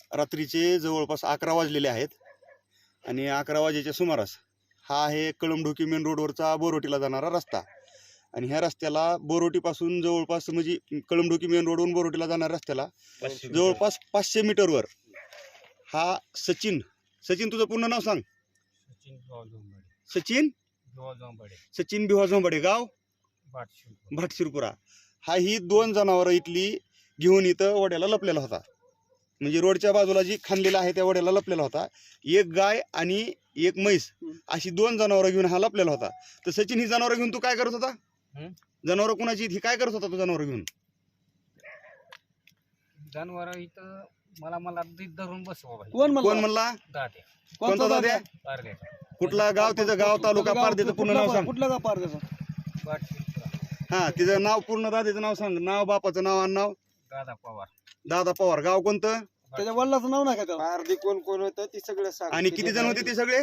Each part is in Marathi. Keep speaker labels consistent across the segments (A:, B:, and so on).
A: रात्रीचे जवळपास 11 वाजलेले आहेत आणि 11 वाजेच्या सुमारास हा आहे कळमढोकी मेन रोडवरचा बोरोटीला जाणारा रस्ता आणि ह्या रस्त्याला बोरोटीपासून जवळपास म्हणजे कळमढोकी मेन रोडवरून बोरोटीला जाणाऱ्या रस्त्याला जवळपास 500 मीटरवर हा सचिन तुझं पूर्ण नाव सांग. सचिन भिवा झोंबाडे गाव भाटशिरपुरा हा ही 2 जनावरं इथली घेऊन इथं वड्याला लपलेला होता. म्हणजे रोडच्या बाजूला जी खांदलेला आहे त्या वड्याला लपलेला होता. एक गाय आणि एक म्हैस अशी 2 जनावरं घेऊन हा लपलेला होता. तर सचिन ही जनावरं घेऊन तू काय करत होता? जनावरं कुणाची ही काय करत होता तू जनावरं घेऊन?
B: जनावर इथं मला धरून बसवा.
A: कोण म्हणला? कोणता दाद्या? कुठला गाव? त्याचं गाव तालुका पारदेचं पूर्ण नाव सांग.
C: कुठलं गाव पारदेचं?
A: हा तिचं नाव पूर्ण दाद्याचं नाव सांग. नाव बापाचं नाव आणि नाव? दादा पवार. गाव कोणतं?
C: त्याच्या वडिलाचं नाव नाही का त्याला?
D: पारधी कोण कोण होतं ते सगळं सांग.
A: आणि किती जण होते ते सगळे?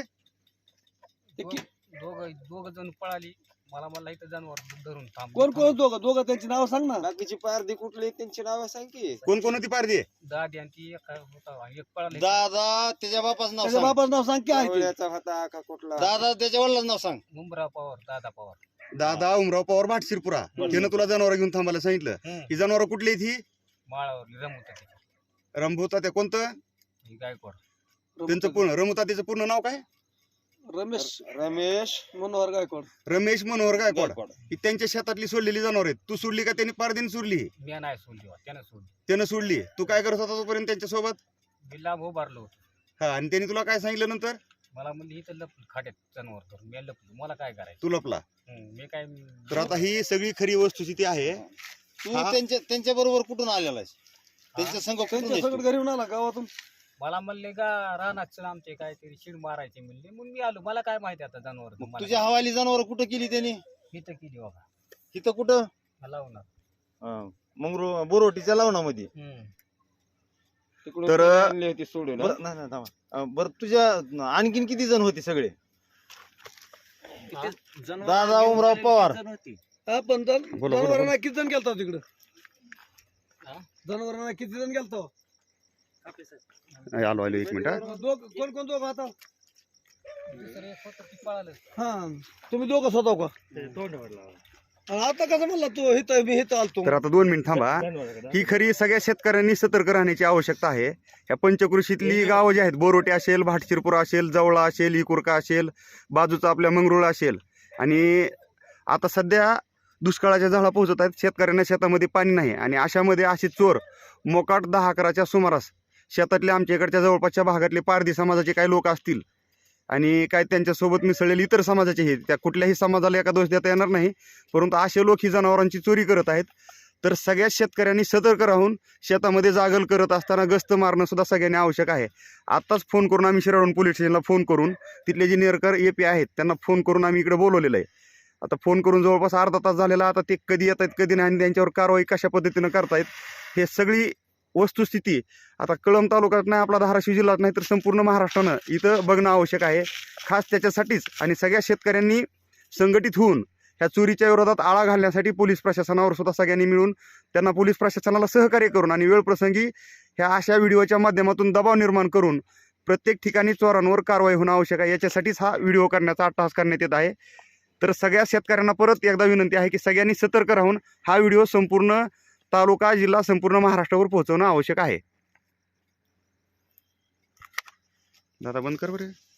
B: दोघ जण पळाली. मला इथं जनावर धरून थांब.
C: कोण दोघं त्यांची नाव सांग ना.
D: बाकीची पारधी कुठली त्यांची नाव सांग की.
A: कोण होती पारधी?
B: दादी आणि ती एक होता, एक पळाली.
E: दादा त्याच्या बापाचं नाव
C: त्याच्या
E: सांग.
C: बापाचं नाव सांग की आहे ते.
D: आवळ्याचा होता का कुठला?
E: दादा त्याच्या वडिलांचं नाव सांग.
B: मुंबरा पवार, दादा पवार.
A: दादा उमराव पवार भाटशिरपुरा. त्यानं तुला जनावर घेऊन थांबायला सांगितलं. ही जनावर कुठली आहेत ही?
B: माळावर रमवत
A: रमभूता त्या कोणतं?
B: गायकवाड.
A: त्यांचं पूर्ण रमभूता त्याचं पूर्ण नाव काय?
C: रमेश मनोहर गायकवाड.
A: रमेश मनोहर गायकवाड. ही त्यांच्या शेतातली सोडलेली जनावर आहेत. तू सोडली का त्यांनी पारदीने सोडली?
B: मी नाही सोडली, त्यानं
A: त्यानं सोडली. तू काय करत होता तोपर्यंत त्यांच्या सोबत?
B: मी लांब उभारलो होतो.
A: हा आणि त्यांनी तुला काय सांगितलं नंतर?
B: मला म्हणली इथं लपलं खाट्यात जनावर धरून. मी लपलो, मला काय करायचं?
A: तू लपला.
B: मी काय
A: तर आता ही सगळी खरी वस्तुस्थिती आहे.
E: तू त्यांच्या बरोबर कुठून आलेला आहेस? त्यांच्या संघ कुठून
C: त्यांच्या
E: आहेस
C: सगळं
E: तू?
C: घरी येऊन आला गावातून.
B: मला म्हणले का रानात आमचे काहीतरी शिड मारायचे म्हणले. म्हणून मी आलो. मला काय माहिती आता जनावर
E: तुझ्या हवाली जनावर कुठं केली त्यांनी?
B: इथं केली बाबा.
E: इथं कुठं?
B: लावणार.
E: मग बोरोटीच्या लावणामध्ये.
D: तिकडून
A: तर-
D: कोणी आणली होती सोडून?
E: बरं नाही नाही थांबा. बरं तुझ्या आणखीन किती जण होते सगळे? दादा उमराव पवार.
C: हा पण जनावरांना किती जण गेलता तिकडं? जनावरांना किती जण गेलतो?
A: आलो 1 मिनिट.
C: कोण दोघं आता?
B: दुसरं एक होतं ते पळालं.
C: हा तुम्ही दोघं स्वतः का? आणि आता कसं म्हणला तू मी इथं आलतो?
A: तर आता 2 मिनिट थांबा. ही खरी सगळ्या शेतकऱ्यांनी सतर्क राहण्याची आवश्यकता आहे. ह्या पंचकृषीतली गावं जी आहेत, बोरोटे असेल, भाटशिरपुरा असेल, जवळा असेल, इकुरका असेल, बाजूचा आपल्या मंगरुळ असेल, आणि आता सध्या दुष्काळाच्या झळा पोहोचत आहेत. शेतकऱ्यांना शेतामध्ये पाणी नाही आणि अशामध्ये असे चोर मोकाट 10-11च्या सुमारास शेतातले आमच्या इकडच्या जवळपासच्या भागातले पारधी समाजाचे काही लोक असतील आणि काय त्यांच्यासोबत मिसळलेले इतर समाजाचे हे, त्या कुठल्याही समाजाला एका दोष देता येणार नाही, परंतु असे लोक ही जनावरांची चोरी करत आहेत. तर सगळ्या शेतकऱ्यांनी सतर्क राहून शेतामध्ये जागल करत असताना गस्त मारणं सुद्धा सगळ्यांनी आवश्यक आहे. आत्ताच फोन करून आम्ही शिराळून पोलीस स्टेशनला फोन करून तिथले जे निरकर AP आहेत त्यांना फोन करून आम्ही इकडे बोलवलेलं आहे. आता फोन करून जवळपास अर्धा तास झालेला. आता ते कधी येत आहेत कधी नाही आणि त्यांच्यावर कारवाई कशा पद्धतीनं करतायत हे सगळी वस्तुस्थिती आता कळंब तालुक्यात नाही, आपला धाराशिव जिल्ह्यात नाही तर संपूर्ण महाराष्ट्रानं इथं बघणं आवश्यक आहे. खास त्याच्यासाठीच आणि सगळ्या शेतकऱ्यांनी संघटित होऊन ह्या चोरीच्या विरोधात आळा घालण्यासाठी पोलीस प्रशासनावर सुद्धा सगळ्यांनी मिळून त्यांना पोलीस प्रशासनाला सहकार्य करून आणि वेळप्रसंगी ह्या अशा व्हिडिओच्या माध्यमातून दबाव निर्माण करून प्रत्येक ठिकाणी चोरांवर कारवाई होणं आवश्यक आहे. याच्यासाठीच हा व्हिडिओ करण्याचा अट्टहास करण्यात येत आहे. तर सगळ्या शेतकऱ्यांना परत एकदा विनंती आहे की सगळ्यांनी सतर्क राहून हा व्हिडिओ संपूर्ण तालुका जिल्हा संपूर्ण महाराष्ट्रावर पोहोचवणं आवश्यक आहे. दादा बंद कर बरं.